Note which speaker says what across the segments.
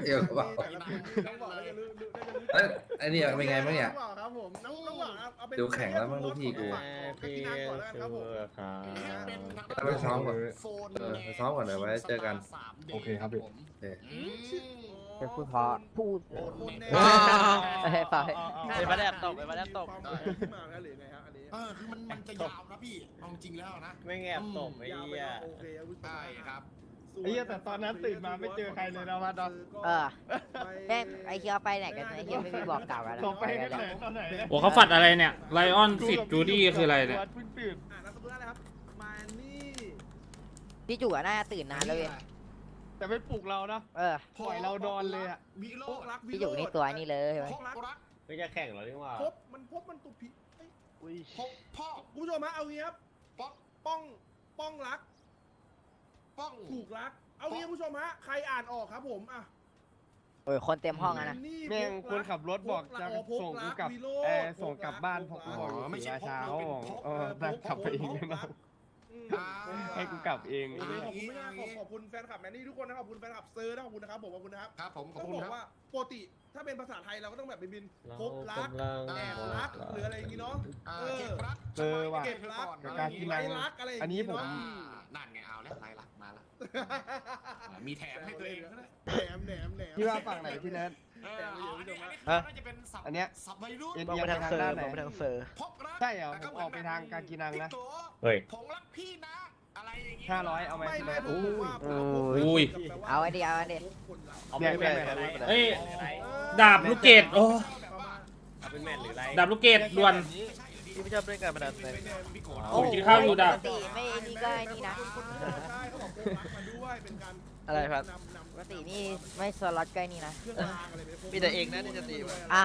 Speaker 1: เดี๋ยวบอกแล้วไอ้นี่เป็นไงบ้างเนี่ย
Speaker 2: ครับผมน้องหวังเอาเป็น
Speaker 1: ดูแข่งแล้วมั้งลูกพี่กู
Speaker 2: พี่นางก่อนแล้วกันครับผม
Speaker 1: ไปซ้อมก่อนไปซ้อมก่อนเดี๋ยวไว้เจอกัน
Speaker 3: โอเคครับพี่
Speaker 4: เป็นพูดเพราะพูด ไป
Speaker 5: ไปมาแดบตกไปมาแดบตก
Speaker 2: ที่มาแล้วหรือไงฮะอันนี้
Speaker 6: คือมันจะยาวนะพี่เอาจริงแล้วนะ
Speaker 5: ไม่แงบตกไอ้เหี้ย
Speaker 2: โอเคครับ
Speaker 6: ใช่ครับ
Speaker 3: ไอ้เหี้ยแต่ตอนนั้นตื่นมาไม่เจอใครเลยนะมาดอน
Speaker 4: แม่งไอเคียวไปไหนกันไอเคียวไม่มีบอกกล่าวอะไร
Speaker 3: ส่งไปกันไหนตอนไหน
Speaker 7: โอ้เขาฝัดอะไรเนี่ยไลออนสิทธิ์จูดี้คืออะไรเนี่ย
Speaker 3: เพิ่งตื่น
Speaker 2: นามสกุลอะไรครับมานี่
Speaker 4: พี่จู่น่าจะตื่นนานแล้วเว้ย
Speaker 3: แต่ไม่ปลุกเรานะ ปล่อยเรานอนเลยอ่ะ
Speaker 6: วิโร
Speaker 2: พ
Speaker 6: จ
Speaker 2: ก
Speaker 6: น์
Speaker 2: รัก
Speaker 4: พี่จู่นี่ตัวนี่เลยใช่ไหม
Speaker 2: พกรัก
Speaker 5: ไม่จะแข่งหรอนี่ว่า
Speaker 2: พบมันตุพิ
Speaker 6: พกพ่อ
Speaker 2: คุณผู้ชมฮะเอางี้ครับ
Speaker 6: ป๊อก
Speaker 2: ป้องรัก
Speaker 6: ป้อง
Speaker 2: ถูกรักเอางี้คุณผู้ชมฮะใครอ่านออกครับผมอ่ะ
Speaker 4: โอ้ยคนเต็มห้องอะนะ
Speaker 3: แม่งคนขับรถบอกจะส่งกูกลับส่งกลับบ้านพกบอกไม่ใช่เช้านั่งขับไปเองนะให้กูกลับเอง
Speaker 2: ขอบคุณมากขอบคุณแฟนคลับแมนนี่ทุกคนนะขอบคุณแฟนคลับเซอร์นะขอบคุณนะครับผมขอบคุณนะครับ
Speaker 6: ครับผมขอบ
Speaker 2: ต้อง
Speaker 6: คุณ
Speaker 2: บอ
Speaker 6: ครั
Speaker 2: ก
Speaker 6: บ
Speaker 2: ว่าปกติถ้าเป็นภาษาไทยเราก็ต้องแบบบินพบรักแอบรักหรืออะไรอย่างงี้เนาะ
Speaker 6: เก็บรัก
Speaker 2: เก็บรัก
Speaker 3: การกินรัง
Speaker 2: รักอะไร
Speaker 3: อันนี้ผม
Speaker 6: นั่นไงเอาแล้วไรหลักมาแล้วมีแถมให้ตัวเองด้วย
Speaker 2: แหนม
Speaker 3: พี่ว่าฝั่งไหนพี่เนิร์ด
Speaker 6: น่าจะเป็นสับ
Speaker 3: อันเนี้ย
Speaker 6: สับวัยรุ่น
Speaker 3: เอียงไปทางด้านไหน
Speaker 6: พกรัก
Speaker 3: ใช่เหรอผมออกไปทางการกินนังนะ
Speaker 5: เฮ้ย
Speaker 6: ผงรักพี่นะอะไรอย่างงี้
Speaker 3: 500เอาไหม
Speaker 2: ไม่
Speaker 3: พี่เนิร์ด
Speaker 4: เอาไอเดีย
Speaker 5: เอาไม่แม่น
Speaker 7: เฮ้ยดาบลูกเกดโอ้
Speaker 5: เอาเป็นแม่นหรือไร
Speaker 7: ดาบลูกเกดด่วน
Speaker 5: พี่ไม่ชอบเล่นการพนันเลย
Speaker 7: ผมกินข้าวอยู่ดาบ
Speaker 4: ปกติไม่นี่ก็ไอ้นี่นะ
Speaker 2: ใช่เขาบอกพกรักมาด้วยเป็นการ
Speaker 5: อะไรครับ
Speaker 4: ปกตินี่ไม่สล็อตก็ไอ้นี่นะ
Speaker 2: เครื่องรางอะไรไปพก
Speaker 5: มีแต่เองนะที่จะตี
Speaker 4: อ้าว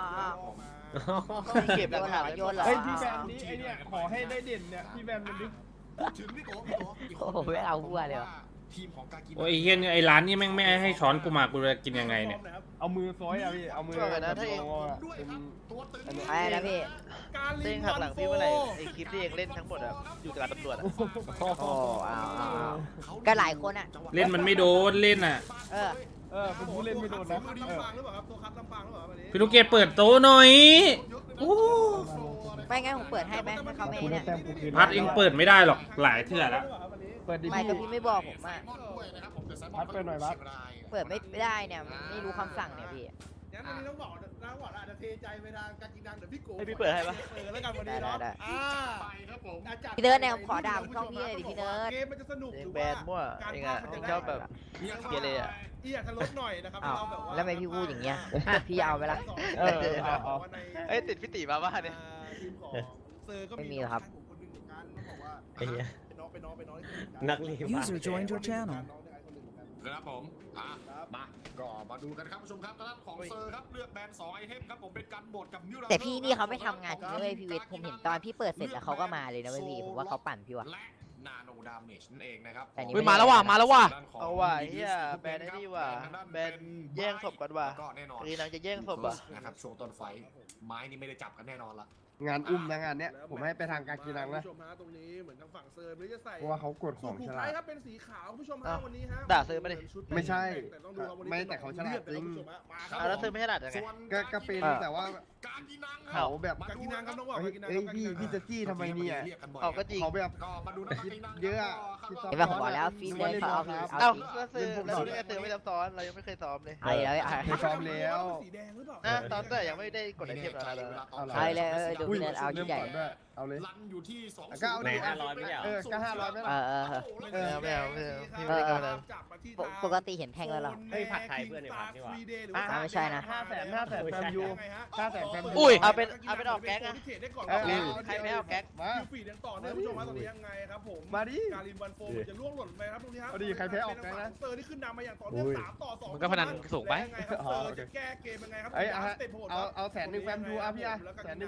Speaker 5: เก็บหลักฐาน
Speaker 4: โยนเหรอ
Speaker 3: เฮ้ยพี่แบมนี้ไอเนี่ยขอให้ได้เด่นเนี่ยพี่แบมมันดิ
Speaker 6: พูดถึงพี่โก้
Speaker 4: โอ้โหไม่เอาหัวเลย
Speaker 6: ทีมของกากิน
Speaker 7: โอ้ยไอ้เฮียนี่ไอ้ร้านนี่แม่งไม่ให้ช้อนกูมากูจะกินยังไงเนี่ย
Speaker 3: เอามือซอยอ่ะพี่เอามือ
Speaker 6: ด้วยครับตัวตึง
Speaker 4: ไอ้นะพี่
Speaker 2: การ
Speaker 5: เล่
Speaker 2: ลิ
Speaker 5: น
Speaker 2: ง
Speaker 5: หัก
Speaker 2: วั
Speaker 5: หลั
Speaker 2: น
Speaker 5: ง
Speaker 2: โฟ
Speaker 5: พี่เมื่อไหร่ไอคลิปที่เองเล่นทั้งหมดอะอยู่กับตำรวจอะ
Speaker 4: โอ้เอาก็หลายคนอ่ะ
Speaker 7: เล่นมันไม่โดนเล่นอ่ะ
Speaker 3: เป็นผู้เล่นไม่โดนนะ
Speaker 2: ลำปางหรือเปล่าครับตัวคัดลำปางหรือเปล่าวันนี้
Speaker 7: พี่ลูกเกดเปิดโต๊ะหน่อยโอ้
Speaker 4: ไม่งั้นผมเปิดให้ไหมให้เขาไม่เนี่ย
Speaker 7: พัดเองเปิดไม่ได้หรอกหลายเทื่อแล้ว
Speaker 3: เปิดดิ
Speaker 4: ไม่
Speaker 3: พี่
Speaker 4: ก็พี่ไม่บอกผมอ่ะ
Speaker 3: พัดเปิดหน่อยพัด
Speaker 4: เปิดไม่ได้เนี่ยมันไม่รู้คำสั่งเนี่ยพี่
Speaker 2: งั้นวันนี้ต้องบอกอาจจะเทใจไปทางการกินดังเดี๋ยวพี่โก้
Speaker 5: ให้พี่เปิดให้ปะ
Speaker 2: แล้วกันวันนี้เนาะ
Speaker 6: ไปครับผม
Speaker 4: พี่เนิร์ดเนี่ยผมขอด่าช่องพี่เลยดิพี่เนิร์ด
Speaker 2: เกมมันจะสนุก
Speaker 5: เองแบนมั่วเองอะเองชอบแบบเกเรอะ
Speaker 2: อยากจะลดหน่อยนะครับ
Speaker 4: อ้าว
Speaker 2: เราแบบว่า
Speaker 4: แล้วทำไมพี่พูดอย่างเงี้ยพี่เอาไปละ
Speaker 3: เอา
Speaker 5: เอ้ยติดพี่ตีมาบ้านเนี่ย
Speaker 2: ทีมของเซอร์ก็
Speaker 4: ไม่มีหรอกครับ
Speaker 2: คนหนึ่งเหมือนกันต้องบอกว่า
Speaker 5: ไอ้เหี้ย
Speaker 2: เป็นน้อง
Speaker 5: นักเรียน
Speaker 8: User joined your channel.
Speaker 6: ครับผมมาก็มาดูกันครับผู้ชมครับทางด้านของเซอร์ครับเลือกแบน2ไอเทมครับผมเป็นการโหมดกับนิว
Speaker 4: แต่พี่นี่เขาไม่ทำงานจริงนะเว้ยพี่วิทย์ผมเห็นตอนพี่เปิดเสร็จแล้วเขาก็มาเลยนะเว้ยพี่ผมว่าเขาปั่นพี่ว่ะ
Speaker 6: และนาโนดาเมจนั่นเองนะครับ
Speaker 4: แต่นี่
Speaker 5: เฮ้ยมาแล้วว่ะมาแล้วว่ะเอาว่ะไอ้เหี้ยแบนไอ้นี่ว่ะแบนแย่งศพกันว่ะ
Speaker 6: ก็แน่นอน
Speaker 5: คือนางจะแย่งศพอ่ะ
Speaker 6: นะครับช่วงต้นไฟไม้นี่ไม่ได้จับกันแน่นอนละ
Speaker 3: งานอุ้มนะงานเนี้ยผมให้ไปทางการกินนังนะ
Speaker 2: ผู้ชมฮะตรงนี้เหมือนทางฝั่งเซอร์ไม่ได้จะใส่
Speaker 3: เพราะว่าเขากดของ
Speaker 2: ถูก
Speaker 3: ฉ
Speaker 2: ท้า
Speaker 3: ลาย ด
Speaker 2: ครับเป็นสีขาวผู้ชมฮะวันนี้ฮะ
Speaker 5: ด่าเซอร์มาดิ
Speaker 3: ไม่ใช่
Speaker 2: แต่ต้องดูว่าวันนี้
Speaker 3: ไม่แต่เขาฉลาดจริง
Speaker 5: อ่ะแล้วเธอไม่ใช่หลัดยังไง
Speaker 3: ก็เป็นแต่ว่า
Speaker 6: การกินนัง
Speaker 3: เขาแบบ
Speaker 2: กากินังครับน้องบอก
Speaker 3: เฮ้ย
Speaker 2: กากินัง
Speaker 3: เอ้ยพี่จะจี้ทำไมเนี่ย
Speaker 5: เอาก็จริง
Speaker 3: เขาแบบ
Speaker 6: ก็มาดูนะ
Speaker 3: คิดเยอะอะคิดซ้อน
Speaker 4: เห็นป่ะผมบอกแล้วฟีเลยเขาเอา
Speaker 5: เอ้า
Speaker 4: ฟี
Speaker 5: ก็ซื้อแล้วดูได้เธอไม่ซับซ้อนเรายังไม่เคยซ้อมเลย
Speaker 4: ไอ้แล้ว
Speaker 3: เคยซ้อมแล้ว
Speaker 2: สีแดงหรือเปล่า
Speaker 5: ตอนแต่ยังไม่ได้กดไอเทมแล้วนะ
Speaker 4: ไอ้เลยดูพี่เนิร์ดเอาชุดใหญ่
Speaker 3: ด้วยเอาเลย
Speaker 6: รันอยู่ที่2
Speaker 3: ก็เอาดิ
Speaker 5: 500ไม่เอา
Speaker 3: ก็500ไม่
Speaker 4: เอ
Speaker 3: ละ
Speaker 4: อ
Speaker 5: ไม่เอาพี่ไม่ได้กำลัง
Speaker 4: ปกติเห็นแทงแล้วเหรอ
Speaker 2: เฮ้ยผัดไทยเพื่อนในผัดนี่หว่า
Speaker 4: ไม่ใช่นะ
Speaker 3: 500,000แฟมยู500,000แฟมยู
Speaker 5: อุ้ยเอาเป็นออกแก๊งอะ ใครไม่เอาแก๊ก
Speaker 3: มา
Speaker 2: คิวฟีดยังต่อเนื่องผู้ชมฮะตอนนี้ยังไงครับผม
Speaker 3: มาดิ
Speaker 2: การินวันโฟมจะล่วงหล่นไปครับตรงนี้ครับ
Speaker 3: เอาดิใครแพ้ออกแก๊งนะ
Speaker 2: เซอร์ที่ขึ้นนำมาอย่างต่อเนื่อง3-2
Speaker 5: มันก็พนันสูงไป
Speaker 2: ยังไงครับเซอร์จะแก้เกมยังไงครับ
Speaker 3: เอา100,000แฟมยูอ่ะพี่อ่ะ100,000แฟมยู
Speaker 2: เ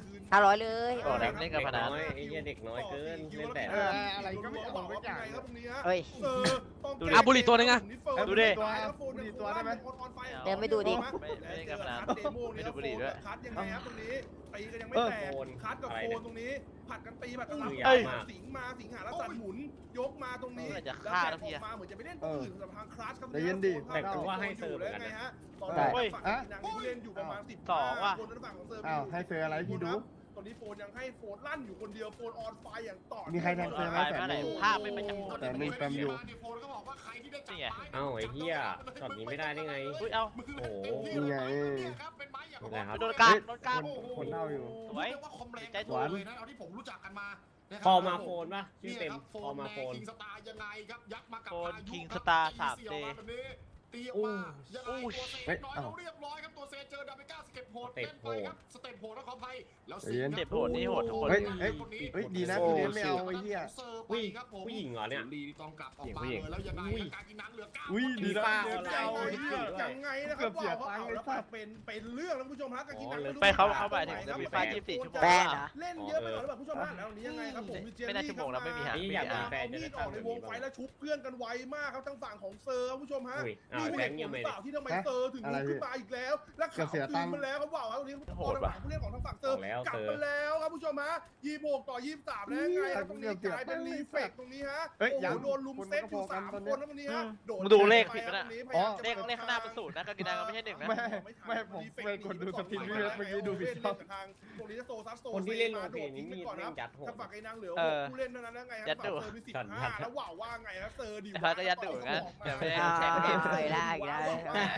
Speaker 2: คืน
Speaker 4: 500เลย
Speaker 5: บอกแล้วเล่นกับพนัน
Speaker 8: ไอ้เหี้ยเด็กน้อยเกินเล่นแต่
Speaker 3: อะไรก็ไม่เอาไม่จ่าย
Speaker 2: ครับตรงนี้ฮะ
Speaker 4: เฮ้ย
Speaker 2: เซอร์ต้อง
Speaker 5: ดูดิอ่ะบุหรี่ตัวนึงอะ
Speaker 3: ดูดิบุหรี่ตัวได้ไหม
Speaker 4: เดี๋ยวไม่ดูดิ
Speaker 5: ไม่เล่นกับพนัน
Speaker 2: ไม่
Speaker 5: ไม่ดูบุหรี่ด้วย
Speaker 2: คัดยังไงครับตรงนี้ตีกันยังไม่แตกคัดกับโคนตรงนี้ผัดกันตีผัดกันรับ
Speaker 8: เอ้ย
Speaker 2: สิงมาสิงหาแล้วสันหมุนยกมาตรงนี้
Speaker 5: เออจะ
Speaker 2: แล้ว
Speaker 5: ฆ่า
Speaker 2: แบ
Speaker 5: แล้ว
Speaker 2: ก
Speaker 5: พี่
Speaker 2: ออกมาเหมือนจะไปเล่นตัวอื่นสำหรับทางคลาสครับ
Speaker 3: ใจเย็นดิ
Speaker 8: แต่กูว่าให้เซิร์ฟเหมือนกันนะ
Speaker 2: ไงฮะตอน
Speaker 3: ได้
Speaker 2: นี้ฝั่งนางผู้เล่นอยู่ประมาณ10
Speaker 5: 2ว่ะ
Speaker 2: คนนั้นฝั่งของเซอร์
Speaker 3: อ้าวให้เซอร์อะไรพี่ดู
Speaker 2: ตอนนี้โฟนยังให้โฟนลั่นอยู่คนเดียวโฟนออนไฟอย่างต่อ
Speaker 3: มีใครแทงเซอร์ไหม
Speaker 5: ไปไหนภาพไม่ไปจับ
Speaker 3: แต่มีแฟมอยู่
Speaker 5: นี่ไง
Speaker 8: เอ้าไอ้เหี้ยช็อตนี้ไม่ได้ได้ไง
Speaker 5: อุ้ยเอา
Speaker 8: โอ้โห
Speaker 3: นี่ไง
Speaker 8: นี่ครับ
Speaker 5: โดนการโดนการ
Speaker 3: คนเล่าอยู่
Speaker 5: สวย
Speaker 6: ใจตัวเลยนะเอาที่ผมรู้จักกันมา
Speaker 8: พอมาโฟนป่ะชื่อเต็มพอมาโฟน
Speaker 6: คิงสตาร์ยังไงครับยัดมากับ
Speaker 5: โฟน
Speaker 6: พายุ
Speaker 5: คิง
Speaker 6: ค
Speaker 5: ส
Speaker 6: รับ
Speaker 5: ตาร์
Speaker 6: ตี
Speaker 5: 3D
Speaker 6: เสี่ยวมาแบบนี้ตีออกมายังไงตัวเซ
Speaker 3: เฮ้ย
Speaker 6: น้อย
Speaker 3: เอ้า
Speaker 6: เราเรียบร้อยครับตัวเซเจอดาเมก้าสเต็ปโหด
Speaker 8: สเต็
Speaker 6: เล่
Speaker 8: ป
Speaker 6: น
Speaker 8: โห
Speaker 6: ไป
Speaker 8: ด
Speaker 6: ครับสเต็ปโหดแล้วขออภัยแล้ว
Speaker 3: ใจเย็น
Speaker 5: สเต็ปโหดนี่โหดทุกคน
Speaker 3: เฮ้ยเฮ้ยดีนะพี่เลี้ยงไม่เอาไอ้เหี้ย
Speaker 8: ผู้ผู้หญิงเหรอเนี่ย
Speaker 6: ลีต้องกลับออกมา
Speaker 5: ผู้หญิง
Speaker 6: เลยแล้วยังไง
Speaker 8: อุ้ย
Speaker 6: การกินน้ำเหลือ9
Speaker 3: อุ้ยดีนะ
Speaker 8: ป้า
Speaker 3: เลี้ยงไม่เอาไอ้เหี้ย
Speaker 2: ยังไงนะค
Speaker 3: เกื
Speaker 2: รั
Speaker 3: อ
Speaker 2: บบ
Speaker 3: เสีย
Speaker 2: ว่า
Speaker 3: ตังค์
Speaker 2: เขา
Speaker 3: เลย
Speaker 2: แล้ว
Speaker 3: สัตว์
Speaker 2: เป็นเรื่องแล้วคุณผู้ชมฮะการกินน้ำ
Speaker 5: ไปเขาหมายถึงจะมีไฟ24 ชั่วโมง
Speaker 4: แป้ง
Speaker 5: อะ
Speaker 4: นะ
Speaker 2: เล่นเยอะไปหน่อยหรือเปล่าผู้ชมฮะแล้วนี้ยังไงครับผมมีเจน
Speaker 5: ไม่น่า
Speaker 2: นี่
Speaker 5: ชั่วโมงแล้วไม่มีหา
Speaker 8: นี่อยากมีแฟนจะ
Speaker 2: มี
Speaker 8: ได้
Speaker 2: ดออกในวงไฟแล้วชุบเพื่อนกันไวมากครับทั้งฝั่งของเซอร์ครับผู้ชมฮะ
Speaker 8: อุ้ยอ้า
Speaker 2: นี่
Speaker 8: ว
Speaker 2: ผู้
Speaker 8: แบ
Speaker 2: เล่
Speaker 8: ง
Speaker 2: น
Speaker 8: ค์
Speaker 2: ข
Speaker 8: ยั
Speaker 2: อง ง
Speaker 8: ไม่
Speaker 2: เปล่าที่ทำไมเซอร์ถึงลุกขึ้นมาอีกแล้ว และ
Speaker 3: เกือบเสียตังค์
Speaker 2: มาแล้วครับว่าวครับตรงนี้
Speaker 5: โหดว่ะ
Speaker 2: ผู้เล่นของทางฝั่งเซอร์
Speaker 8: แล้ว
Speaker 2: กลับ
Speaker 8: เซอร์
Speaker 2: มาแล้วครับผู้ชมฮะ26 ต่อ 23แล้วไงครับตรงนี้กลายเป็นรีเฟกตรงนี้ฮะ
Speaker 3: เฮ้ย
Speaker 2: โอ้
Speaker 3: ยัง
Speaker 2: โหโดนลุมเซตอยู่3 คนนะวันนี้ฮะโดน
Speaker 5: มึงดูเลขผิดปะน่ะ
Speaker 3: อ๋อ
Speaker 5: เลขข้างหน้าเป็น0นะการกินน้ำก็ไม่ใช่1นะ
Speaker 3: ไม่ผมไปกดดูสตรีมพี่เวฟเมื่อกี้ดูผิดช่อง
Speaker 2: ตรงนี้โซซัสโซ
Speaker 8: คนที่เล่นโล
Speaker 2: มา
Speaker 8: เพนี่มี
Speaker 2: ก่อน
Speaker 8: เล่
Speaker 2: นะ
Speaker 8: นยัดโหด
Speaker 2: ถ้าฝั่งไอ้นางเหลือ
Speaker 5: เออ
Speaker 2: ผู้เล่นเท่านั้นแล้วไงครับ
Speaker 5: ยัดดุ
Speaker 2: ฝั่งเซอร์มี15แล้วว่าวว่าไงครับเซอร์ดิ
Speaker 5: ไอ้ฟ้าก็ยัดดุเหมือนกันแต่ไม่ได้
Speaker 4: อ้าว
Speaker 5: แชร์กันเอง
Speaker 4: อีกแล้วอีกแล้ว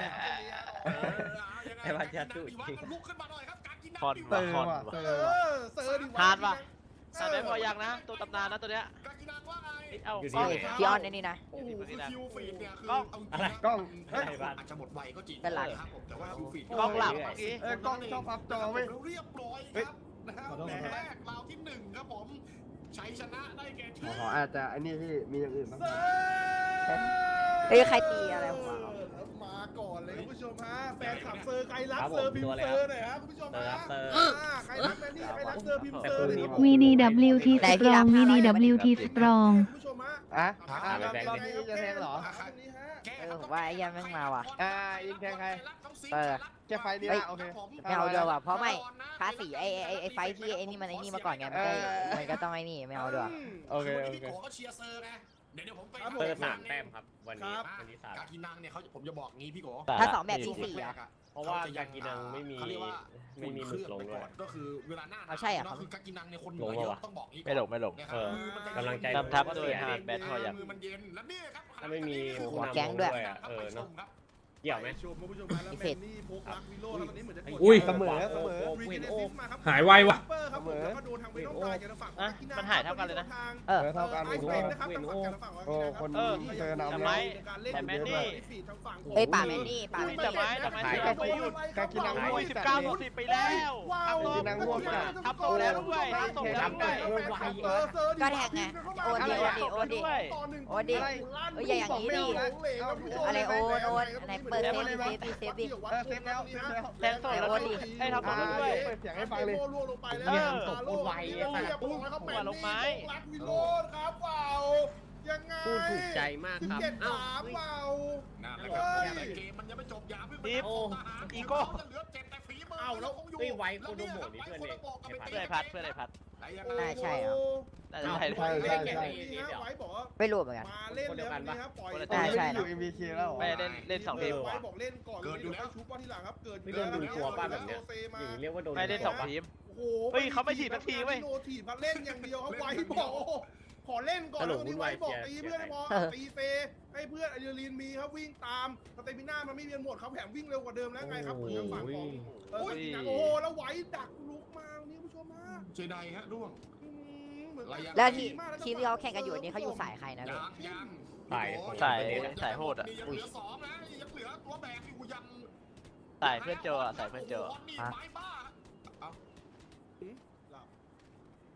Speaker 8: ไอ้บ้านยัดดุจริง
Speaker 6: ลุกขึ้นมาหน่อยครับการกินน้ำ
Speaker 5: คอน
Speaker 6: ดิ
Speaker 5: ว่ะ
Speaker 3: เซอร์
Speaker 5: คอน
Speaker 3: ว่ะ
Speaker 5: ว่ะ
Speaker 3: เซอ
Speaker 2: เอ
Speaker 3: ร์ว่ะ
Speaker 2: อเซอร์ดิ
Speaker 5: ฮาร์ดว่ะ แต่ไม่พอยังนะ ตัวตำนานนะตัวเนี้ย
Speaker 6: การกินน้ำว่าไง
Speaker 5: เอ้ยเอา
Speaker 8: อยู่
Speaker 5: กล้อง
Speaker 8: ที่
Speaker 4: พี่ออนในนี่นะ
Speaker 6: โอ้โหคือคิวฟีดเนี่ยคือก
Speaker 5: ล้อง
Speaker 6: เอาจริงนะ
Speaker 3: กล้อง
Speaker 6: เฮ้ยอาจจะหมดไวก็จริง
Speaker 4: เป็นไร
Speaker 6: ครับผมแต่ว่าคิวฟีด
Speaker 5: กล้องหลับเมื่อกี้
Speaker 3: กล้องชอบพับจอเว้ย
Speaker 6: เรียบร้อยครับนะครับแรกราวที่1ครับผมชัยชนะได้แก่ทีม
Speaker 3: ขออาจจะไอ้นี่พี่มีอย่างอื่นบ้าง
Speaker 2: เซอร์
Speaker 4: เฮ้ยใครตีอะไรผมวะ
Speaker 2: มาก่อนเลยคุณผู้ชมฮะแฟนขับเซอร์ใครรักเซอร์พิมพ์เซอร์หน่อยครับคุณผู้ชมฮะ
Speaker 8: เซอร์
Speaker 2: ใครรักแมนนี่ใครรักเซอร์พิมพ์เซอร์หน่อยครับ
Speaker 9: VDWT Strong VDWT Strong
Speaker 2: คุณผู้ชมฮะ
Speaker 3: อ่ะ
Speaker 2: รอบนี้
Speaker 3: จะแทงเหรอ
Speaker 4: ผมว่าไอ้เหี้ยังแม่งมาว่ะ
Speaker 3: ยิงแทงใคร
Speaker 4: เออ
Speaker 3: แค่ไฟนี้
Speaker 4: เฮ้ย
Speaker 3: นะโอเค
Speaker 4: ไม่เอาเดียวว่ะเพราะไม่ภาษีไอ้ไฟที่ไอ้นี่มันไอ้นี่มาก่อนไงมันก็ต้องไอ้นี่ไม่เอาด้วย
Speaker 3: โอเคโอเค
Speaker 6: พี่โกก็เชียร์เซอร์ไงเดี๋ยวผมไป
Speaker 8: เซอร์3 แต้มครับ วันนี้วันนี้
Speaker 6: กากินังเนี่ยเขาผมจะบอกงี้พี่โก
Speaker 4: ถ้า2แบบที่4อ่ะ
Speaker 8: เพราะว่ากากินังไม่มี
Speaker 6: เขาเรียกว่า
Speaker 8: ไม่มีหมึกลงด้วย
Speaker 6: ก็คือเวลาหน้า
Speaker 4: เอาใช่เหรอครับ
Speaker 6: คือกากินังเนี่ยคนเหนือเยอะต้องบอกงี้
Speaker 5: ไม่หลงไม่หลง
Speaker 6: นะครับ
Speaker 8: เออ
Speaker 6: มือมันจะ
Speaker 8: กำลังใจ
Speaker 5: นำทัพโดยฮาร์ดแบทพอยัง
Speaker 6: มือมันเย็นแล้วเนี่ยครับ
Speaker 8: ถ้าไม่มี
Speaker 4: หัวแก๊งด้วย
Speaker 8: อ่ะเนาะเกี่ยวไหม
Speaker 2: ชมคุณผู้ชมฮะแล้วแมนนี่พกรักวิโรจน์แล้วตอนนี้เหมือนจะกด
Speaker 7: อุ้ย
Speaker 3: เสมอเสมอ
Speaker 2: รีเจเนซิสมาครับ
Speaker 7: หายไวว่ะ
Speaker 2: เปอร์ครับผมแล้วก็โดนทางเวน้องตายจากฝั่งของ
Speaker 5: อ่ะ
Speaker 2: กากินัง
Speaker 5: มันหายเท่ากันเลยนะ
Speaker 4: เออ
Speaker 3: เท่ากัน
Speaker 2: ไอซ์
Speaker 3: โอ้
Speaker 2: เป็นนะครับทางฝั่งกันฝั่งของ
Speaker 3: โอ้
Speaker 2: กากินังครับ
Speaker 3: คน
Speaker 5: เออ
Speaker 3: เจอนำ
Speaker 5: แต่
Speaker 3: แล้ว
Speaker 5: ไม้
Speaker 2: การเล่น
Speaker 5: แต่แมนนี่
Speaker 2: ฟีดทางฝั่งของ
Speaker 4: เอ้ยป่าแมนนี่ป่าแมน
Speaker 5: แต่
Speaker 4: นี่
Speaker 5: ไม้แต่ไม้
Speaker 3: หาย
Speaker 5: ที่เราไม่หยุด
Speaker 3: กากินัง
Speaker 5: โอ้ย19ต่อ10ไปแล้ว
Speaker 2: ว้าว
Speaker 3: กากินังง่วงจัด
Speaker 5: ทับโตแล้วด้วยทับโตแล้วด้วย
Speaker 4: ก็แท็กไงโอนดิโอนดิโอนดิ เอ้ยอย่าอย่างนี้ดิ อะไรโอนไหนเปิดเซฟดิเซฟดิ
Speaker 3: เซฟแล้วเซฟแล้ว
Speaker 5: แทงสดแล้วดิให้ทับโตแล้วด้วย
Speaker 3: เปิดเสียงให้ฟังเลย
Speaker 2: ลงไปแล้ว
Speaker 5: เออ
Speaker 2: ตบโคตรไวลงไม้รักวิโรจน์ครับว้าวยังไง
Speaker 8: พูดถูกใจมากครับ
Speaker 2: 17
Speaker 8: เอ้า
Speaker 2: 3ว้าว
Speaker 6: นั่นแหละครับแต่เกมมันยังไม่จบอย่าเพิ่งไป
Speaker 5: อีฟ
Speaker 6: โอ้
Speaker 5: อีโก้
Speaker 6: เหลือ7แต่ฝีมือ
Speaker 2: เอาแล้ว
Speaker 6: คงอยู่
Speaker 8: เฮ้ยไว้โคโดโมะนี่เพื่อนเอง
Speaker 5: เพื่อนไอ้พัดเพื่อนไอ้พัด
Speaker 4: น่าใช่เหรอ
Speaker 5: น่าจะใช่
Speaker 3: ใช่ใช่ใช่
Speaker 2: ไว้บอกว่า
Speaker 4: ไม่รู้เหมือนกัน
Speaker 2: มาเล่นแล้วนี่ครับปล่อย
Speaker 4: ใช่ใช่
Speaker 3: อยู่ MBK แล้ว
Speaker 5: ไม่เล่น2ทีม
Speaker 2: ไว้บอกเล่นก่อนเลยเดี๋ยวให้ชุบว่าทีหลังครับเกิด
Speaker 8: ไม่โดนดูตัวป้าแบบเนี้ยอย่างนี้เรียกว่าโดน
Speaker 5: ไม่เล่น2ทีม
Speaker 2: โอ้โห
Speaker 5: เฮ้ยเขาไม่ถีบสักทีเว้ย
Speaker 2: โนถีบมาเล่นอย่างเดียวครับไว้บอกขอเล่นก่อนแล้ววันนี้ไว้บอกตีเพื่อนพอตีเซให้เพื่อนอะดรีนาลีนมีครับวิ่งตามสเตมิน่ามันไม่มีหมดเขาแถมวิ่งเร็วกว่าเดิมแล้วไงครับเหมือนทางฝั่งของโอ้โหแล้วไว้ดักลุกมาวันนี้ผู้ชมมา
Speaker 6: เจไดฮะร่วง
Speaker 4: แล้วทีมที่เขาแข่งกันอยู่นี่เขาอยู่สายใครนะ
Speaker 6: ยั
Speaker 4: พี่
Speaker 6: งยัง
Speaker 5: สายโหดอ่ะ
Speaker 6: ยังเหลือ2นะยังเหลือตัวแบกอยู่ยัง
Speaker 5: สายเพื่อนโจอ่ะสายเพื่อนโจ
Speaker 6: ไม้บ้า
Speaker 2: หลับ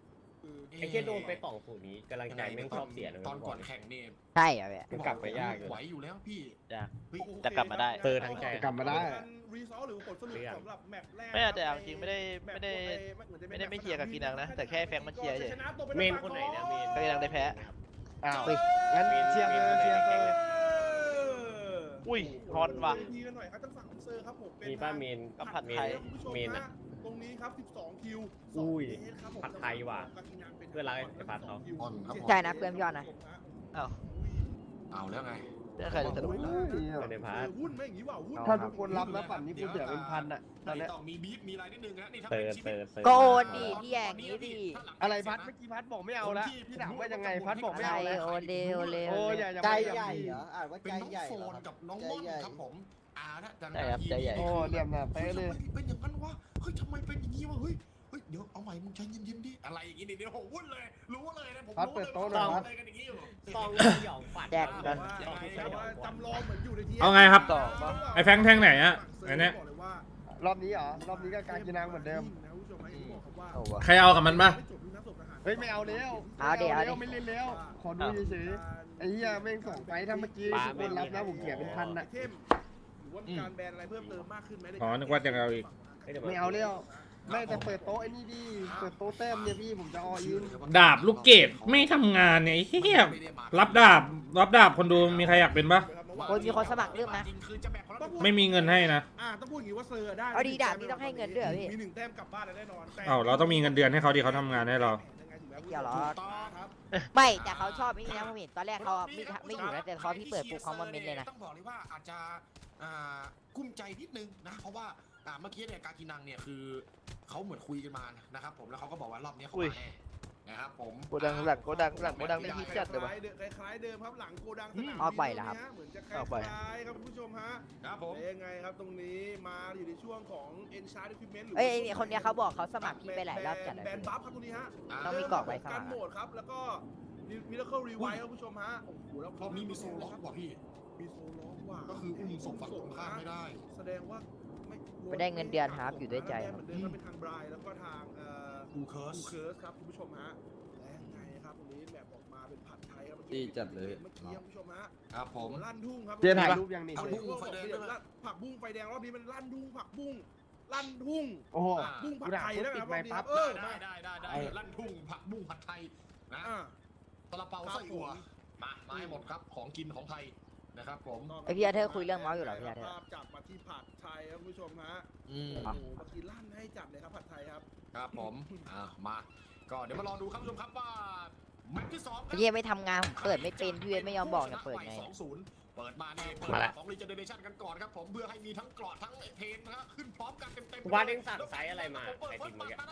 Speaker 8: ไอ้แค่โดนไป2-0นี้กำลังใจแม่งชอบเสียนะ
Speaker 6: ตอนก่อนแข่งนี่
Speaker 4: ใช่เหรอพี่
Speaker 3: มันกลับไปยากอยู่
Speaker 6: ไหวอยู่แล้วพี่
Speaker 5: แต่กลับมาได้
Speaker 8: เตอร์ทางใจ
Speaker 3: กลับมาได้
Speaker 2: รีซอลหรือผลสรุปสำหรับแมตช์แรก
Speaker 5: ไม่แต่เอาจริงไม่ได้ไม่เชียร์กับกีนังนะแต่แค่แฟงมันเชียร์เฉย
Speaker 8: เมนคนไหนนะเมน
Speaker 5: ก็กีนังได้แพ้
Speaker 3: อ้าวงั้นเชียร์เลยเชียร์เลย
Speaker 5: อุ้ยฮอนว่ะ
Speaker 2: ดีกันหน่อยครับทางฝั่งของเซอร์ครับผมเป็น
Speaker 8: มีป้าเมน
Speaker 5: กับผัดไทย
Speaker 8: เมนอะ
Speaker 2: ตรงนี้ครับ12คิว
Speaker 8: อุ้ย
Speaker 2: 2 ครับผม
Speaker 8: ผัดไทยว่ะเพื่อนรักไอ้ผัดเขา
Speaker 6: อ่อนครับผม
Speaker 4: ใช่นะเพื่อนพี่ยอดนะ
Speaker 5: อ้าว
Speaker 6: เอาแล้วไง
Speaker 5: เรื่องใครจะสนุก
Speaker 8: เป็นในพาร์ท
Speaker 2: หุ้นไม่อย่างนี้ว่ะหุ้น
Speaker 3: ถ้าทุกคนรับนะปั่นนี่กูเสียเป็นพันอะตอนเนี้ย
Speaker 6: ต้องมีบีฟมีอะไรนิดนึงนะนี่ถ้า
Speaker 8: เตอ
Speaker 6: เป็น
Speaker 8: ร์
Speaker 6: ชี
Speaker 8: เต
Speaker 6: วิ
Speaker 8: อ
Speaker 6: ต
Speaker 8: ร์เตอร์
Speaker 4: ก็โอนดิพี่แย่างนี้ดิ
Speaker 3: อะไรพัดเมื่อกี้พัดบอกไม่เอาละพี่ถามว่ายังไงพัดบอกไม่
Speaker 4: อะไร
Speaker 3: เอาแล้ว
Speaker 4: โอนเดโอเล
Speaker 3: โอ้ยอย่า
Speaker 10: ใจ
Speaker 3: ไป
Speaker 10: ใหญ่เหรออ่านว่า
Speaker 6: เป็น
Speaker 10: ใจ
Speaker 6: น้อง
Speaker 10: ใหญ่
Speaker 6: โฟ
Speaker 10: เหรอน
Speaker 6: กับน้องม่อนครับผมนะดัง
Speaker 5: ใช่ครับใจใหญ่
Speaker 3: โอ้เหลี่ยมน่ะเป๊ะเลย
Speaker 6: เป็นอย่างนั้นวะเฮ้ยทำไมเป็นอย่างนี้วะเฮ้ยเดี๋ยวเอาใหม่มึงใจเย็นๆดิอะไรอย่างงี้เดี๋ยวผมวุ่นเลยรู้เลยนะผม
Speaker 3: พัดเปิดโต๊ะหน่อยพัด
Speaker 6: อะไรกันอย่างงี้อยู่
Speaker 8: ซองหยองฝัน
Speaker 4: แจกกัน
Speaker 2: จำลองเหมือนอยู่ในที่
Speaker 7: เอาไงครับ
Speaker 5: ต่อปะ
Speaker 7: ไอ้แฟงแทงไหนอะไอ้เนี่ย
Speaker 3: รอบนี้เหรอรอบนี้ก็การกินนางเหมือนเดิม
Speaker 5: เอาวะ
Speaker 7: ใครเอากับมันปะ
Speaker 3: เฮ้ยไม่เอาแล้ว
Speaker 4: เอาเดี๋ยว
Speaker 3: ไม่เล่นแล้วขอดูเฉยๆไอ้เหี้ยแม่งส่งไปถ้าเมื่อกี้ทุกคนรับนะผมเสียเป็นพันอะ
Speaker 2: หรือว่ามีการแบนอะไรเพิ่มเติมมากขึ้นไหม
Speaker 7: อ๋อนึกว่าจะเอาอีก
Speaker 3: ไม่เอาแล้วไม่แต่เปิดโต๊ะไอ้นี่ดิเปิดโต๊ะแต้มเนี่ยพี่ผมจะออิน
Speaker 7: ดาบลูกเกดไม่ทำงานเนี่ยไอ้เหี้ยรับดาบคนดูมีใครอยากเป็นปะ
Speaker 4: คนมีคนสมัครเรื่องนะ
Speaker 7: ไม่มีเงินให้นะ
Speaker 2: ต้องพูดอย่างนี้ว่าเซอร์ได้
Speaker 4: เอาดีดาบนี่ต้องให้เงินด้วยเหรอพี่
Speaker 2: มี1 แต้มกลับบ้านแน่นอน
Speaker 7: เอ้าเราต้องมีเงินเดือนให้เขาดิเขาทำงานให้เรา
Speaker 4: ไม่เกี่ยวหรอ
Speaker 2: ครับ
Speaker 4: ไม่แต่เขาชอบไอ้นี่นะผมเห็นตอนแรกเขาไม่อยู่นะแต่พอพี่เปิดปุ๊บเขามาเมนเลยนะ
Speaker 6: ต้องบอกเลยว่าอาจจะกุ้มใจนิดนึงนะเพราะว่าเมื่อกี้เนี่ยการกินังเนี่ยคือเขาเหมือนคุยกันมานะครับผมแล้วเขาก็บอกว่ารอบนี้เขามาแน่นะครับผม
Speaker 5: โกดังหลังได้ฮิตจัดเลยวะ
Speaker 2: คล้ายเดิมครับหลังโกดังสนาม
Speaker 4: เอาไปแล้วครับ
Speaker 2: เหมือนจะคล้ายๆครับคุณผู้ชมฮะ
Speaker 6: ครับผม
Speaker 2: ยังไงครับตรงนี้มาอยู่ในช่วงของ Enchant Equipment หรือ
Speaker 4: เอ้ยไอ้คนเนี้ยเขาบอกเขาสมัครพี่ไปหลายรอบจัดเลย
Speaker 2: แบนบัฟครับตรงนี้ฮะ
Speaker 4: ต้องมีกรอบไว้สมัคร
Speaker 2: การโหมดครับแล้วก็ Miracle Revive ครับคุณผู้ชมฮะโอ้โหแล้ว
Speaker 6: รอบนี้มีโซล็อกว่ะพี่
Speaker 2: มีโซล็อกว่ะ
Speaker 6: ก็คืออุ้มศพฝั่งตรงข้ามไม่ได้
Speaker 2: แสดงว่าไม่
Speaker 4: ไม่ได้เงินเดือนครับอยู่ด้วยใจ
Speaker 2: เหมือนเดิมก็เป็นทางไบรท์แล้วก็ทาง
Speaker 6: กูเคิร์ส
Speaker 2: คูเคิร์สครับคุณผู้ชมฮะและยังไงครับตรงนี้แบบออกมาเป็นผัดไทยครับ
Speaker 10: ดีจัดเลย
Speaker 2: เมื่อกี้คุณผู้ชมฮะ
Speaker 6: ครับผม
Speaker 2: ลั่นทุ่งครับ
Speaker 3: เจ๊ถ่ายรูปยังนี่
Speaker 2: เอาพุ่งไฟแดงผักบุ้งไฟแดงรอบนี้มันลั่นทุ่งผักบุ้งลั่นทุ่ง
Speaker 3: โอ้โห
Speaker 2: บุ้งผัดไทย
Speaker 3: กู
Speaker 2: แล้ว
Speaker 3: ด่า
Speaker 2: ครับ
Speaker 3: ปิดไมค์ปั๊บ
Speaker 6: ได้ลั่นทุ่งผักบุ้งผัดไทยนะ
Speaker 2: อ่า
Speaker 6: ตะละเปาไส้อั่วมาให้หมดครับของกินของไทยนะครับผม
Speaker 4: ไอพี่อาเธอร์คุยเรื่องเมาส์อยู่เหรอพี่อาเธอร์
Speaker 2: ภาพจับมาที่ผัดไทยครับคุณผู้ชมฮะ
Speaker 6: อืม
Speaker 2: โอ้โหเมื่อกี้ลั่นให้จัดเลยครับผัดไทยครับ
Speaker 6: ครับผมมาก็เดี๋ยวมารอดูครับผู้ชมครับว่าแมตช์ที่2
Speaker 4: ไอ้เหี้ยไม่ทำงานผมเปิดไม่เป็นพี่เวทไม่ยอมบอกเนี่ยเปิดไง
Speaker 6: เปิดมาเนี่ยเปิดของรีเจเนเรชั่นกันก่อนครับผมเพื่อให้มีทั้งกรอดทั้งเทนนะขึ้นพร้อมกันเต็มๆ
Speaker 8: ว่าเด้งสั่งไซส์อะไรมาไอติมเมื่อกี้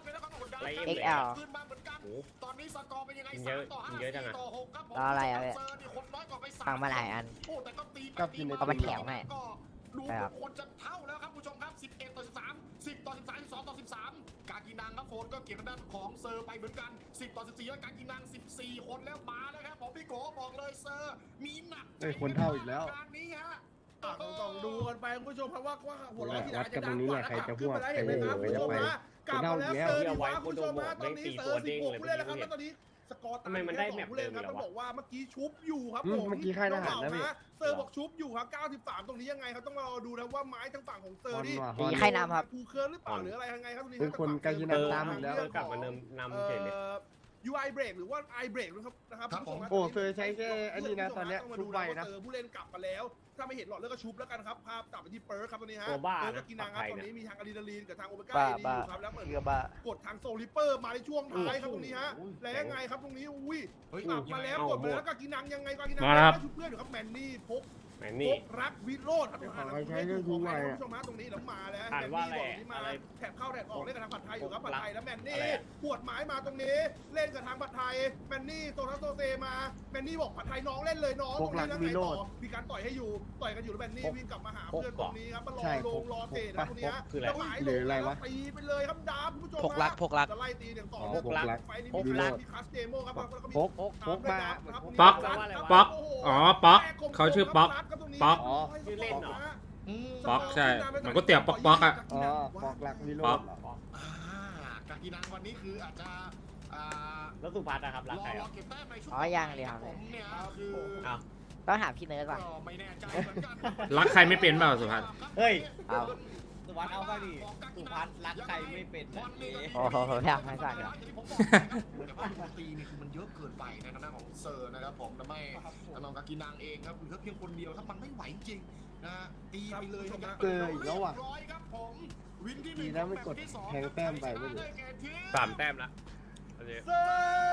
Speaker 4: XL
Speaker 6: ขึ้นมาเหมือนกัน
Speaker 8: โอ้
Speaker 6: ตอนนี้สกอร์เป็นยังไง
Speaker 8: เยอะ
Speaker 6: 3-5
Speaker 8: เยอะจังอะ
Speaker 6: 4-6ครับผม
Speaker 4: รออะไรอะเว้ย
Speaker 6: เซอร์นี่คนน้อยกว่าไป
Speaker 4: ฟังมาหลายอัน
Speaker 6: โอ้แต่ก็ตี
Speaker 3: กับกินใน
Speaker 4: เอามาแถมให้
Speaker 6: ก็ดู
Speaker 4: ใช่ครับ
Speaker 6: คนจะเท่าแล้วครับผู้ชมครับ11-13 10-13 12-13การกินนางครับโฟนก็เก็บทางด้านของเซอร์ไปเหมือนกัน10-14แล้วการกินนาง14คนแล้วมาแล้วครับผมพี่โกบอกเลยเซอร์มีหนักใจ
Speaker 3: เอ้ยคนเท่าอีกแล้ว
Speaker 6: การนี้ฮะ
Speaker 2: ต้องดูกันไปคุณผู้ชมครับว่าหัวเราะที่ไหน
Speaker 3: วัดกันตรงนี้แหละใครจะพวก
Speaker 2: เห็นไหมครับคุณผู้ชมฮะกลับมาแล้วเซอร์ดีว่าคุณผู้ชมฮะตอนนี้เซอร์16ผู้เล่นแล้วครับแล้วตอนนี้สกอร์ตามผู้เล่นครับต้องบอกว่าเมื่อกี้ชุบอยู่ครับผม
Speaker 3: เมื่อกี้ค่ายทหารนะพี่
Speaker 2: เซอร์บอกชุบอยู่ครับ93ตรงนี้ยังไงครับต้องรอดูนะว่าไม้ทางฝั่งของเซอร์นี่
Speaker 4: มีใครนำครับ
Speaker 2: คูเคิร์หรือเปล่าหรืออะไรยังไงครับตรงนี้
Speaker 3: เป็นคนกากินังตามอีกแล้ว
Speaker 8: กลับมานำเฉยเลย
Speaker 2: UI break หรือว่า I break นะครับ
Speaker 6: ครับผม
Speaker 3: โอ้เซอร์ใช้แค่อันนี้นะตอนเนี้ยชุบไวนะ
Speaker 2: ผู้เล่นกลับมาแล้วถ้าไม่เห็นหลอดเลือดก็ชุบแล้วกันครับภาพตัดไปที่เปิร์ครับตรงนี้ฮะ
Speaker 8: ตัวบ้า
Speaker 2: เปิร์
Speaker 8: นะ
Speaker 2: ก็กินนางครับ
Speaker 8: ปลอดภัย
Speaker 2: ตอน
Speaker 8: นะ
Speaker 2: นี้มีทางอะดรีนาลีนกับทางโอเมก้า
Speaker 5: บ้า
Speaker 2: เอดีอยู่ครับแล้วเหมือน
Speaker 5: เชื่อบ้าก
Speaker 2: ดทางโซลิเปอร์มาในช่วงท้ายครับตรงนี้ฮะแล้วยังไงครับตรงนี้อุ้ย
Speaker 6: เฮ้ย
Speaker 2: กลับมาแล้วกดมาแล้วก็กินนางยังไงก็กินนาง
Speaker 7: มาแล้วครับ
Speaker 2: ชุบเพื่อนอยู่ครับแมนนี่พก
Speaker 8: แมน
Speaker 2: พ
Speaker 8: นี่
Speaker 2: กรักวิโรจน์ครับ
Speaker 3: ใช้เรื่องดูไว้อะ
Speaker 2: คุณผู้ชมฮะตรงนี้แล้วมาแล้ว
Speaker 8: อ่านว่าอะไร
Speaker 2: แมนนี่บอกที่มา
Speaker 8: อะไร
Speaker 2: แถบเข้าแถบออกเล่นกับทางผัดไทยอยู่ครับ
Speaker 8: พก
Speaker 2: ผั
Speaker 8: รั
Speaker 2: ด
Speaker 8: ก
Speaker 2: ไทยแล้วแมนนี่
Speaker 8: อะไรอะ
Speaker 2: ปวดไม้มาตรงนี้เล่นกับทางผัดไทยแมนนี่โซทัสโซเซมาแมนนี่บอกผัดไทยน้องเล่นเลยน้อง
Speaker 3: พกรัก
Speaker 2: ตรง
Speaker 3: วิ
Speaker 2: นี้
Speaker 3: โร
Speaker 2: แล้ว
Speaker 3: จน์
Speaker 2: ไงต่อมีการต่อยให้อยู่ต่อยกันอยู่แล้วแมนนี่วิ่งกลับมาหา
Speaker 8: พก
Speaker 2: เพื่อนตรงนี้ครับมารอ
Speaker 3: ใช่
Speaker 2: ล
Speaker 3: พ
Speaker 2: ง
Speaker 3: ก
Speaker 2: รอเตะนะตรงนี้ฮะ
Speaker 8: คืออะไร
Speaker 2: แล้วหมาย
Speaker 3: หรืออะไรวะ
Speaker 2: ตีไปเลยครับดาบคุณผู้ชม
Speaker 5: พกรัก
Speaker 2: จะไล่ตีอย่างต่อ
Speaker 3: พกรัก
Speaker 2: ไฟนี้
Speaker 8: พก
Speaker 2: มี
Speaker 8: รัก
Speaker 2: มีคัสเดโมครับแล้วก็มี
Speaker 3: พกมา
Speaker 7: ป๊อก
Speaker 2: ครับ
Speaker 7: ป๊อก
Speaker 2: โโห
Speaker 7: อ๋อป๊อกเขาชื่อป๊อก ป๊อก
Speaker 3: อ๋อ
Speaker 8: ชื่อเล่นเหรอ
Speaker 7: ป๊อกใช่เหมือนก๋วยเตี๋ยวป๊อกๆอะ
Speaker 3: อ๋อปอกหลักวิโร
Speaker 7: ป๊อ
Speaker 3: จ
Speaker 7: ก
Speaker 3: น์เหรอ
Speaker 6: การกินนางวันนี้คืออาจจะ
Speaker 8: แล้วสุพัฒน์นะครับรักใคร
Speaker 6: ร
Speaker 8: อ่ะ
Speaker 6: อเก็บแต้มในช่วง
Speaker 4: อ๋อยังเลย
Speaker 6: ค
Speaker 4: ครั
Speaker 6: รับบ ผมเนี่ยคือ
Speaker 8: อ้าว
Speaker 4: ต้องหาพี่เนิร์ดก่อน
Speaker 6: ก็ไม่แน่ใจเหมือนกัน
Speaker 7: รักใครไม่เป็นเปล่าสุภัทร
Speaker 8: เฮ้ย
Speaker 4: เอา
Speaker 8: สุพัฒน์เอาไปดิสุพัฒน์รักใครไม่เป็นนะเอ๊ะ
Speaker 4: โอ้โหอยากให้ก่อนเดี๋ยว
Speaker 6: แต่ว่าตัวตีนี่คือมันเยอะเกินไปในทางด้านของเซอร์นะครับผมทำให้ทางน้องกากินังเองครับเหลือเพียงคนเดียวถ้ามันไม่ไหวจริงนะตีไปเลยนะครับ
Speaker 3: เจออีกแล้วว่ะ
Speaker 6: เรียบร้อยครับผมวินที่ห
Speaker 3: ดี
Speaker 6: นึ่ง
Speaker 3: นะไม่กดแทงแต้มไปไม่เหลือ
Speaker 8: 3 แต้มละโอเค
Speaker 2: เซอร์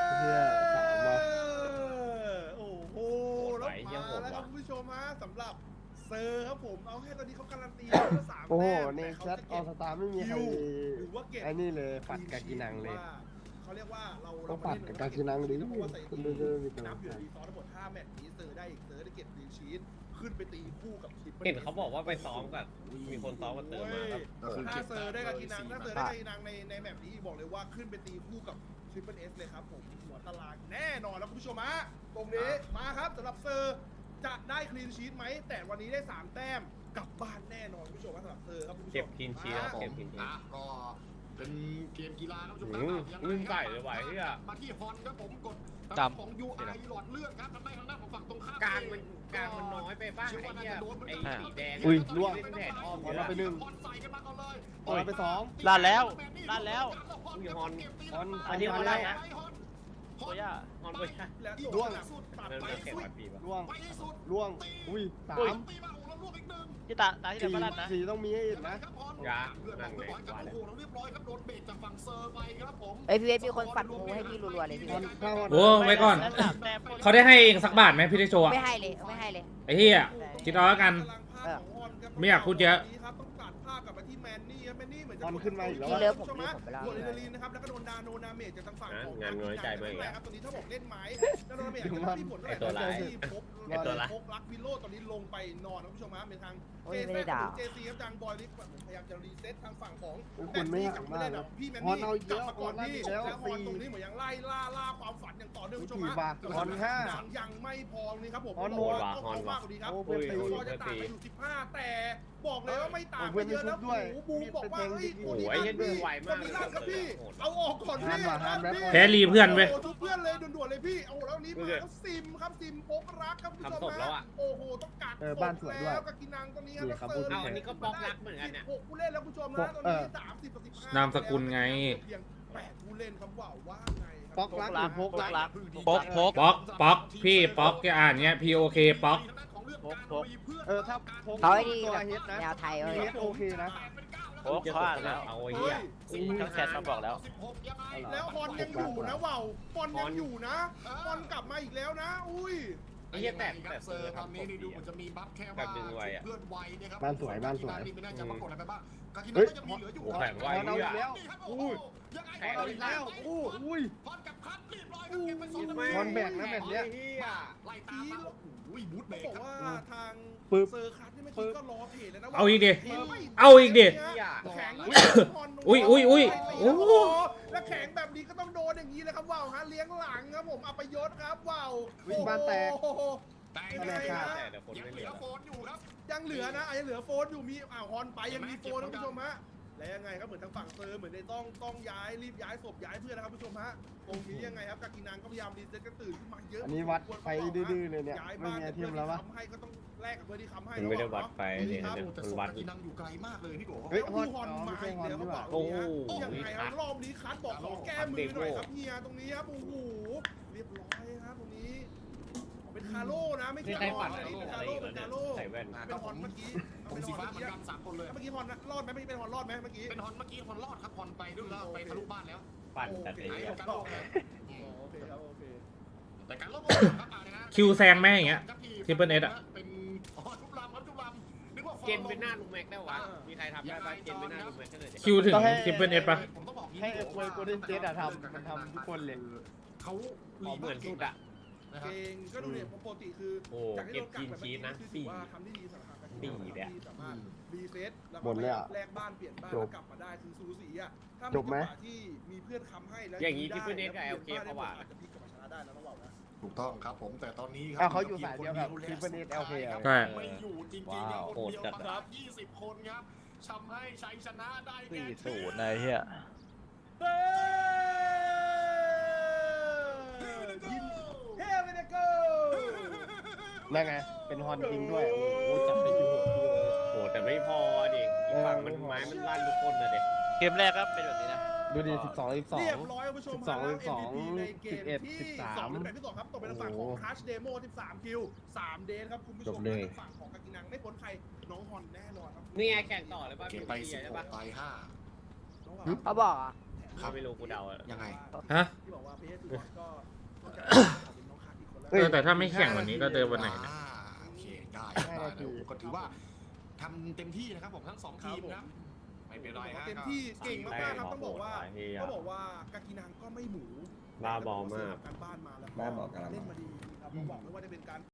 Speaker 3: เหี้ยสามว่ะ
Speaker 2: โอ้โห
Speaker 8: โหด
Speaker 2: แล้ว
Speaker 8: ไหวเหี้ย
Speaker 2: มา
Speaker 8: โหด
Speaker 2: แล้วค
Speaker 8: ว่ะ
Speaker 2: รับคุณผู้ชมฮะสำหรับเซอร์ครับผมเอาแค่ตอนนี้เขาการันตีแล้วว่า3
Speaker 3: โอ้โห
Speaker 2: แต้ม
Speaker 3: ใน
Speaker 2: แต่เขา
Speaker 3: แชท
Speaker 2: จะ
Speaker 3: ออ
Speaker 2: เก็บ
Speaker 3: สตาไม่มีใคร
Speaker 2: หรือว่าเก็บ
Speaker 3: ไอ้นี่เลยปัดกากินังเลย
Speaker 2: เขาเรียกว่าเรา
Speaker 3: ต้องปัดกับกากินังดิ
Speaker 2: เพราะว่าใส่
Speaker 3: คุณดูๆมีกำลั
Speaker 2: นั
Speaker 3: ง
Speaker 2: บอยู่
Speaker 3: ใจ
Speaker 2: รีซอสทั้งหมด5แมตช์นี้เซอร์ได้อีกเซอร์ได้เก็บดีชีตขึ้นไปตีคู่กับทิป
Speaker 8: เห็นเขาบอกว่าไปซ้อมกับมีคนซ้อมกับเติมมาครับ
Speaker 2: ถ้าเซอร์ได้กากินังถ้าเซอร์ได้กากินังในแมตช์นี้บอกเลยว่าขึ้นไปตีคู่กับทริปเปิลเอสเลยครับผมหัวตารางแน่นอนแล้วคุณผู้ชมฮะตรงนี้มาครับสำหรับเซอร์จะได้คลีนชีตไหมแต่วันนี้ได้3แต้มกลับบ้านแน่นอนคุณผู้ชมว่าสำหรับเซอร์ครับคุณผู้ชม
Speaker 8: เก็บคลีนชีทครับ
Speaker 2: มา
Speaker 8: เก็บคลีนชีท
Speaker 6: ก็เป็นเกมกีฬาครับผู้ชม
Speaker 8: วิ่งใส่เลยว่ะเหี้ย
Speaker 6: มาที่ฮอนครับผมกด
Speaker 5: จำ
Speaker 6: ของ UI หลอดเลือดครับทำให้ทางด้านของฝั่งตรงข้าม
Speaker 8: กลางมันน้อยไปบ้างไอ้เหี้ยไอ้สีแดง
Speaker 3: อุ้ยล่วง
Speaker 8: เล่นแดดอ้อม
Speaker 3: ขอเราไปหนึ่ง
Speaker 6: ฮอนใส่กันมาก่อนเลย
Speaker 3: ขอเราไปสอง
Speaker 5: ลั่นแล้วลั่นแล้ว
Speaker 8: อุ้ยฮอน
Speaker 3: ฮอน
Speaker 8: อันนี้ฮอนไล่นะ
Speaker 5: โอ้ย่า
Speaker 8: ฮอนไป
Speaker 2: และ
Speaker 3: ร่วง
Speaker 2: สุดตัด
Speaker 8: เริ่ม
Speaker 2: ไป
Speaker 8: แข่ง
Speaker 2: สุด
Speaker 8: วันปีป่ะ
Speaker 3: ล่วง
Speaker 6: ไปให้สุด
Speaker 3: ล่วง อุ้ยสาม
Speaker 6: ตีมาโอ้แล้วลูกอีกหนึ่ง
Speaker 5: ที่ตาที่เดินมาลั่นนะ
Speaker 3: สี่ต้องมีให้อีกนะ
Speaker 6: ครับฮอน
Speaker 8: ยา
Speaker 6: เพื่อน
Speaker 8: นั่นไง
Speaker 6: โอ้โห
Speaker 8: ว่าแล้ว
Speaker 6: เรียบร้อยครับโดนเบรกจากฝั่งเซอร์ไปครับผม
Speaker 4: เอ้ยพี่เวฟมีคนฝันงูให้พี่รัวๆเลยพี่เวฟ
Speaker 3: เข้า
Speaker 7: โอ้ไว้ก่อน
Speaker 5: แล้วสามแต้ม
Speaker 7: เขาได้ให้เองสักบาทไหมพี่ได้โชว์อะ
Speaker 4: ไม่ให้เลยไม่ให้เลย
Speaker 7: ไอ้เหี้ยคิดเอาแล้วกัน ไม่อยากพูดเยอะ
Speaker 2: ครับต้องตัดภาพกลับมาที่แมนนี่ครับแมนนี่เหมือนจะ
Speaker 3: ฮอนขึ้นมาอีกแล้ว
Speaker 4: พี่
Speaker 3: อะ
Speaker 4: เลิฟผมเลิฟผมไปแล้ว
Speaker 2: โดนอินเดลีนนะครับแล้วก็โดนดาโนนาเมจจากทางฝั่งของ
Speaker 8: งานน้อยใจไปอีกแล้ว
Speaker 2: ครับตอนนี้ถ้าบอกเล่นไม้ดาโนนาเมจจะมีผล
Speaker 8: ไอ้ตัวร้าย
Speaker 2: พบ
Speaker 8: ไอ้ตัวร้าย
Speaker 2: พบลักวิโลตอนนี้ลงไปนอนครับผู้ชมฮะเป็นทาง
Speaker 4: โอ้ยไม่ได้ด่า
Speaker 2: เจซีครับทางบอยลิฟพยายามจะรีเซ็ตทางฝั่งของ
Speaker 3: คุณไม่อยากมาก
Speaker 2: พี่แมน
Speaker 3: ฮอน
Speaker 2: นี่
Speaker 3: เอาเย
Speaker 2: กลับ
Speaker 3: อะ
Speaker 2: มาก่อน
Speaker 3: ฮอน
Speaker 2: พี่
Speaker 3: เอาแล้ว
Speaker 2: แล้วฮอนตรงนี้เหมือนยังไล่ล่าความฝันอย่างต่อเนื่องผู้ชม
Speaker 3: กี่
Speaker 2: ฮะ
Speaker 3: บาทฮอนห้า
Speaker 2: ยังไม่พอนี่ครับผม
Speaker 3: ฮอน
Speaker 2: บอก
Speaker 3: หมด
Speaker 2: ว่า
Speaker 8: ว่ะ
Speaker 2: ต้อง
Speaker 8: ฮอน
Speaker 2: เอา
Speaker 8: ว่ะ
Speaker 2: มากกว่านี้ครับ
Speaker 3: โอ้
Speaker 2: โอ้
Speaker 3: เพื่อนตี
Speaker 2: ก็จะต่างไปอยู่15แต่บอกเลยว่าไม่ต่าง
Speaker 3: โอ้เพื่
Speaker 2: ไป
Speaker 3: อน
Speaker 2: เยอะนะ
Speaker 3: ไม่ชุบด้วย
Speaker 2: บูบอกว่าเฮ้ย
Speaker 8: โอ้โหไอ้เหี้ยดูไวมาก
Speaker 2: คนนี้ลั่นครับพี่เอาออกก่อนพี่
Speaker 3: ห้ามว่ะห้ามแล้ว
Speaker 2: พี่
Speaker 7: แพ้รีเพื่อนเว้ย
Speaker 2: โโหทุกเพื่อนเลยด่วนๆเลยพี่เอาแล้วนี้มาแล้วซิมครับซิมพกรักครับคุณผู้ชม
Speaker 8: ทำศพแล้วอะ
Speaker 2: โอ้โหต้องกัก
Speaker 3: บ้านสวยด้วย
Speaker 2: แล้วกับกินังตรงนี้
Speaker 3: นี่ครับพูด
Speaker 8: เอาอันนี้ก็บล็อกรักเหมือนกันเนี่ย
Speaker 2: 16ผู้เล่นแล้วคุณผู้ชมนะตอนนี้30ต่อ15
Speaker 7: นามสกุลไง
Speaker 2: เพียง8ผู้เล่นครับว่าไงครับ
Speaker 3: ป๊อกรักหรือพกรัก
Speaker 5: พก
Speaker 7: ป๊อกพี่ป๊อกแกอ่านเงี้ย POK ป๊อก
Speaker 3: ถ้าพก
Speaker 4: เขาไอ้นี่
Speaker 3: ตัว
Speaker 4: แบบ
Speaker 3: เฮดนะ
Speaker 4: แนวไทยเว้ย
Speaker 3: เฮดโอเคนะ
Speaker 5: โอ้เขาอ่านแล้ว
Speaker 8: เอาไอ้เหี้ย
Speaker 5: ทั้งแชทมาบอกแล้ว
Speaker 2: แล้วฮอนยังอยู่นะว่าวฮอนยังอยู่นะฮอนกลับมาอีกแล้วนะ อุ้ย
Speaker 8: ไอ้เหี้ยแตก
Speaker 6: ครับเซอร์ตอนนี้ดูเหมือนจะมีบัฟแค่
Speaker 8: แบ
Speaker 6: ว่า
Speaker 8: บดึงไวอะ
Speaker 6: เพื่อนไวนะครับ
Speaker 3: บ้านสวยบ้านสวย
Speaker 6: ไม่น่าจะปรากฏอะไรไปบ้างกากินั
Speaker 3: เฮ้
Speaker 6: ง
Speaker 3: ย
Speaker 6: ก็ยังมีเหลืออยู่
Speaker 8: โอ้แข่งไว
Speaker 3: ฮอนเอาอีกแล้ว
Speaker 6: อุ้ยยังไง
Speaker 8: แข่ง
Speaker 3: เอาอีกแล้วอู้อุ้ย
Speaker 6: ฮอนกับคัทเรียบร้อยครับเก็บไป2
Speaker 3: ฮอนแบกนะแบบเนี้ย
Speaker 6: ไล่ตามมาอุ้ยบูทเบร
Speaker 2: ต้อก งบอก
Speaker 6: ครับ
Speaker 2: ว่าทาง
Speaker 3: ปึ๊บ
Speaker 2: เซอร์คัสนี่ไม่คิดก็รอเพจแล้วนะ
Speaker 7: เอาอีกดิ
Speaker 2: ไม่
Speaker 7: เอาอีกดิ
Speaker 2: แข็ง
Speaker 7: อุ้ยโอ้โห
Speaker 2: แล้วแข็งแบบนี้ก็ต้องโดนอย่างนี้เลยครับว่าวฮะเลี้ยงหลังครับผมอัปยศครับว่าว
Speaker 3: วิ่งบ้านแตก
Speaker 2: โอ้โห
Speaker 6: แต่
Speaker 2: ยังไงฮะ
Speaker 8: แต่เดี๋ยวคน
Speaker 6: ยัง
Speaker 8: ไม่
Speaker 6: เห
Speaker 8: เห
Speaker 6: ลื
Speaker 8: ลื
Speaker 6: อ
Speaker 8: อ
Speaker 6: โฟนอยู่ครับ
Speaker 2: ยังเหลือนะยังเหลือโฟนอยู่มีฮอนไปยังมีโฟนนะคุณผู้ชมฮะและยังไงครับเหมือนทางฝั่งเซอร์เหมือนในต้องย้ายรีบย้ายศพย้ายเพื่อนนะครับผู้ชมฮะตรงนี้ยังไงครับกากินังก็พยายามรีเซ็ตกันตื่นขึ้นมาเยอะ
Speaker 3: อันนี้วัดไฟดื้อๆเลยเนี่ย
Speaker 2: ย้าย
Speaker 3: ไม่
Speaker 2: บ้าน
Speaker 3: มีไอเทมแล้ววะ
Speaker 2: ทำให้ก็ต้องแลกกับเพื่อนที่ค้ำให้
Speaker 8: มันไม่ได้วัดไฟเนี่ย
Speaker 2: ครับ
Speaker 6: แต่
Speaker 8: มัน
Speaker 6: ศพ
Speaker 8: วัด
Speaker 6: กากินังอยู่ไกลมากเลยพี่โก
Speaker 3: เฮ้ย
Speaker 2: แล้ว
Speaker 3: ฮอน
Speaker 2: ฮอน
Speaker 3: อ๋อ
Speaker 2: มา
Speaker 3: ไม่ใช่
Speaker 2: อีก
Speaker 3: ฮอน
Speaker 2: แล้ว
Speaker 3: ดีก
Speaker 2: เขา
Speaker 3: ว่า
Speaker 2: บอก
Speaker 8: โอ้
Speaker 2: ยังไงครับรอบนี้คัทบอกขอแก้มือหน่อยครับเฮียตรงนี้ครับโอ้โหเรียบร้อยครับตรงนี้เป็นคาโร่นะไม่
Speaker 8: นี่
Speaker 2: ใช่
Speaker 8: ใคร
Speaker 2: ฮอ
Speaker 8: ปั่
Speaker 2: น
Speaker 8: น
Speaker 2: อัน
Speaker 8: อะไร
Speaker 2: นี้เป็น
Speaker 8: อะ
Speaker 2: คา
Speaker 8: ไร
Speaker 2: โร่
Speaker 8: อีก
Speaker 2: เป็น
Speaker 8: เนี่ย
Speaker 2: คาโร่
Speaker 8: ใส่แว่น
Speaker 2: เป็นฮอนเมื่อกี้
Speaker 6: ผมสีฟ้าเหมือนกัน3คนเลย
Speaker 2: เมื่อกี้ฮอนรอดไหมไม่เป็นฮอนรอดไหมเมื่อกี้
Speaker 6: เป็นฮอนเมื่อกี้ฮอนรอดครับฮอนไปด้วยแล้วไปทะลุบ้านแล้ว
Speaker 8: ปั่นแต่ไอ้
Speaker 6: ไอ้
Speaker 8: เหี้ย
Speaker 6: การลบ
Speaker 2: โอเคครับโอเค
Speaker 6: แต่การลบครับนะ
Speaker 7: คิวแซงแม่อย่างเงี้ย Triple S อะ
Speaker 6: เป็นทุบลำครับทุบลำนึกว่า
Speaker 8: เกณฑ์เป็นหน้าลุงแม็กได้วะมีใครทำได้ป่ะเกณฑ์เป็นหน้าลุงแม็กแค่ไหน
Speaker 7: คิวถึง
Speaker 3: ต้องให้
Speaker 7: ทิปเปิลเอสปะ
Speaker 6: ผมต้องบอก
Speaker 3: ให้ไอ้ควยโกลเด้นเจดอะทำมันทำทุกคนเลย
Speaker 6: เขา
Speaker 8: อ๋อเหมือนสุดอะ
Speaker 2: เก่งก็ดูเนี่ยปกติคือ
Speaker 8: โอ้
Speaker 2: จากที่
Speaker 8: เก็บ
Speaker 2: เรากั
Speaker 8: กิ
Speaker 2: ก
Speaker 8: น
Speaker 2: แบบ
Speaker 8: ชีสนะ
Speaker 2: คือ
Speaker 8: สี่
Speaker 2: ว่าทำได้ดีสำหรับการ
Speaker 8: สี่เนี่ย
Speaker 2: ที่สามารถรีเซ็ตแล้ว
Speaker 3: หมดเลยอะ
Speaker 2: แลกบ้านเปลี่ยนบ้าน
Speaker 3: จ
Speaker 2: แล้
Speaker 3: บ
Speaker 2: วกลับมาได้คือซูสีอ่ะถ้า
Speaker 3: จบไหม
Speaker 2: จังวะที่มีเพื่อนค้ำให้แล้ว
Speaker 8: อย่างนี้
Speaker 2: ได้
Speaker 8: ที่เพื่อนเน็ตกับ
Speaker 2: แล้ว
Speaker 8: LK
Speaker 2: ปลี่ยน
Speaker 8: เขาว่า
Speaker 2: บ้นได้หมดอาจจะพลิกกลับมาชนะได้นะต้องบอกนะ
Speaker 6: ถูกต้องครับผมแต่ตอนนี้ครั
Speaker 3: เขาอยู่สายเดียวกับ Triple H LK
Speaker 7: ใช่
Speaker 6: ไม่อยู่จริงๆ
Speaker 8: ว้าว
Speaker 6: คน
Speaker 8: โหด
Speaker 6: เดียว
Speaker 8: จัด
Speaker 6: มาครับ20 คนครับทำให้ชัยชนะได้แก่
Speaker 5: 4-0นะไอ้เหี้ย
Speaker 2: เฮ้ยินเฮ้เวเนเกอร์
Speaker 3: นั่นไงเป็นฮอนจริงด้วยโอ้โหจับไปอยู่
Speaker 8: โหแต่ไม่พอดิอีกฝั่งมันไม้มันลั่นทุกคนนะเด็ก
Speaker 5: เกมแรกก็เป็นแบบนี้นะ
Speaker 3: ดูดิ12
Speaker 2: เรียบร้อยคุณผู้ชม
Speaker 3: 12
Speaker 2: MVP ในเกม
Speaker 3: 11
Speaker 2: ที่
Speaker 3: 13
Speaker 2: 2เป็นที่2ครับตกเป็นฝั่งของ Crash Demo 13 คิว 3 เดนครับคุณผู้ชมและฝั่งของกากินังไม่พ้นใครน้องฮอนแน่นอนครับ
Speaker 8: นี่ไงแข่งต่อเลยป่ะ
Speaker 6: เก็บไป16ต่อ5
Speaker 4: เขาบอกอ่ะ
Speaker 6: ครับ
Speaker 8: ไม่รู้กูเดาอะ
Speaker 6: ยังไง
Speaker 7: ฮะ
Speaker 2: ที่บอกว่าเพชรก็จะเป็นน้องขาดอีกคนแล้ว
Speaker 7: แต่ถ้าไม่แข่งวันนี้ก็เดินวันไหนนะ
Speaker 6: โอเคได้ก็ถือว่าทำเต็มที่นะครับผมทั้ง2ทีมนะไม่เป็นไรฮะ
Speaker 2: เต็มที่เก่งมากๆครับต้องบอกว่ากากินังก็ไม่หมู
Speaker 8: บ้าบอมาก
Speaker 2: การบ้านมาแล้ว
Speaker 1: บ้าบอกกัน
Speaker 2: เล่นมาดีครับผมบอกเลยว่าจะเป็นการ